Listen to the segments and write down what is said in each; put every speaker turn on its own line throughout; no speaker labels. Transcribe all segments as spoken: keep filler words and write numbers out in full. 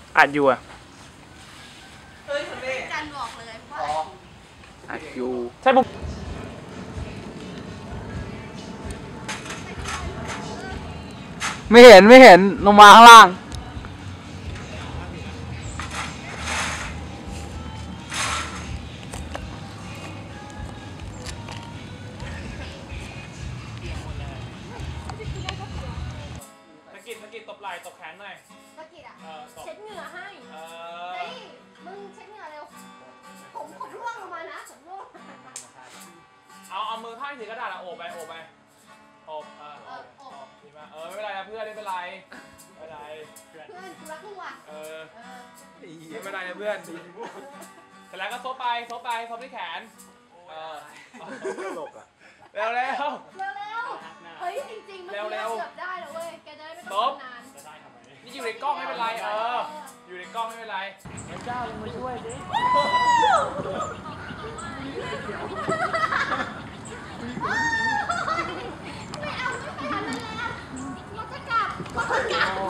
อัดอยู่อ่ะ
เฮ้ยคนเล่จันบอกเลยว่า
อัดอยู่ใช่ปุ๊บไม่เห็นไม่เห็นลงมาข้างล่างตะกิดตะกิดตบไหล่ตบแขนหน่อย
ตะกิดอ่ะเช็ดเหงื่อให้เฮ้ยมึงเช็ดเหงื่อเร็วผมผมร่วงลงมานะผมร่วง
เอาเอามือข้างถือกระดาษอะโอบไปโอบไปโอบเออโอบโอบดีมากเออไม่เป็นไรนะเพื่อนไม่เป็นไรไม่เป็นไร
เพื่อนกูรักมึงว่ะ
เออไม่เป็นไรนะเพื่อนแต่แล้วก็ซบไปซบไปซบที่แขนเออตลกอ่ะเร็วเร็ว
เร็วเร็วเฮ้ยจริงๆมันเกือบได้แล้วเว้ยแกจะได้ไม่ต้องนาน
นี่อยู่ในกล้องไม่เป็นไรเอออยู่ในกล้องไม่เป็นไรพระเจ้าลงมาช่วยดิ
ไม่เอาไม่ไปทำอะไรแล้วเราจะกลับเราจะกลับ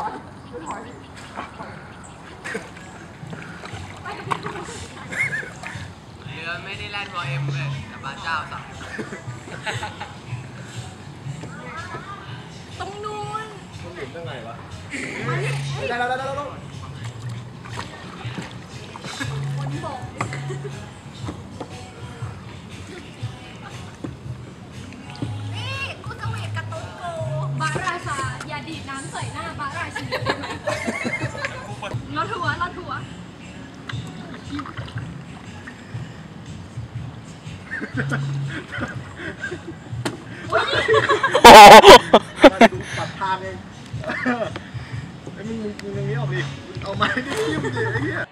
เรือไม่ได้แล่นวอเอ็มเลยแต่บ้านเจ้าสั่ง
ตรงนู้น
มันหมุนยังไงวะ
ได้
แล้วได้แล้วได้แล้ว
บนบกนี่กูจะเวกกระตุ้นโกบาราชาอย่าดีดน้ำใส่หน้าบาราชีได้ไหมรถทัวร์รถทัวร์
ปัดทางเองไอ้มึงมึงมึงตรงนี้ออกดิเอาไม้ดิยิ้มดิไอ้เหี้ย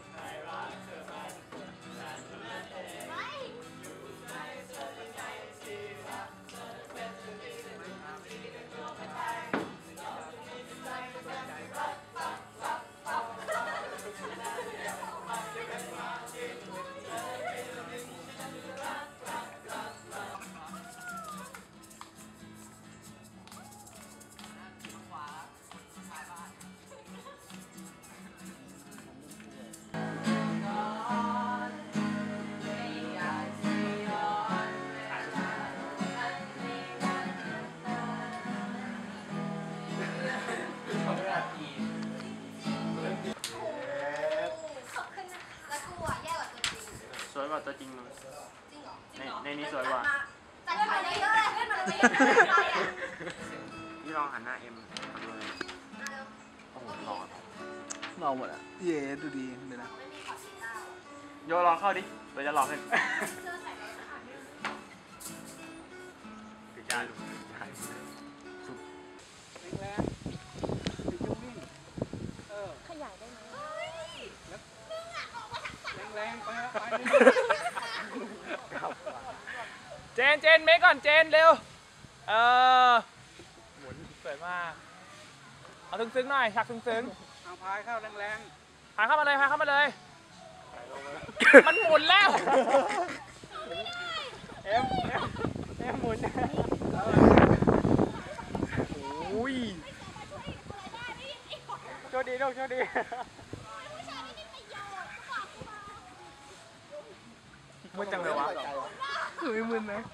สวยกว่าตัวจริงมั้งในในนี้สวยกว่า
จัดไปเลยเยอะเลยเล่นมาเลยไม่ยัง
นี่ลองหันหน้าเอ็มทำเลยโอ้โหหล่อหล่อหมดอ่ะเย่ดูดีเลยนะโยลองเข้าดิเดี๋ยวจะหลอกให้คือการสุดแรง
ขยายได้ไหม
แรงไปไปเจนเจนเมคก่อนเจนเร็วเออหมุนสวยมากเอาซึ้งๆหน่อยฉากซึ้งๆเอาพายเข้าแรงๆพายเข้ามาเลยพายเข้ามาเลยมันหมุนแล้วเอ็มเอ็มเอ็มหมุนโอ้ยโชคดีลูกโชคดีมึนจังเลยวะคือไม่มึนนะ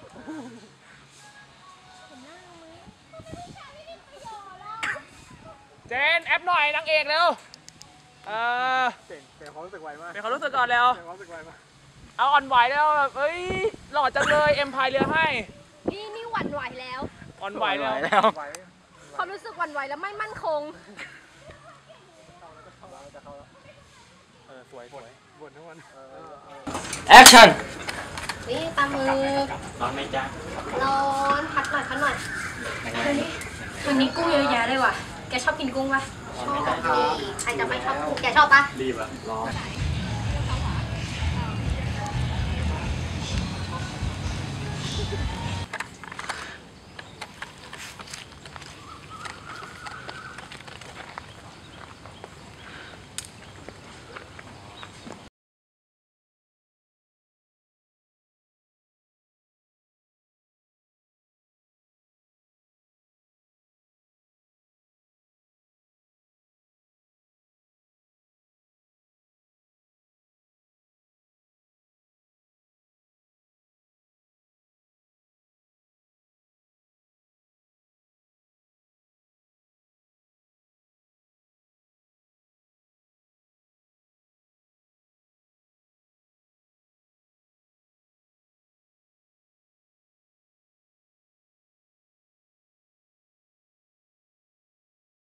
เจนแอปหน่อยนางเอกเร็วเออ
เป็นความรู้สึกไวมาก
เป็นความรู้สึกก่อนเร็ว
เป็นความรู้สึกไวมาก
เอาอ่อนไหวแล้วแบบเอ้ยหล่อจังเลยเอ็มพายเรือให้
นี่นี่หวั่นไหวแล้ว
อ่อนไหวแล้ว
ความรู้สึกหวั่นไหวแล้วไม่มั่นคง
เออสวยสวยบนทั้งวัน
แอคชั่น
นี่ตามือ
ร้อนไหมจ๊ะ
ร้อนพัดหน่อยพัดหน่อยวันนี้วันนี้กุ้งเยอะแยะเลยว่ะแกชอบกินกุ้งป่ะชอบใครจะไม่ชอบกุ้งแกชอบป่ะ
รีบอะร้อน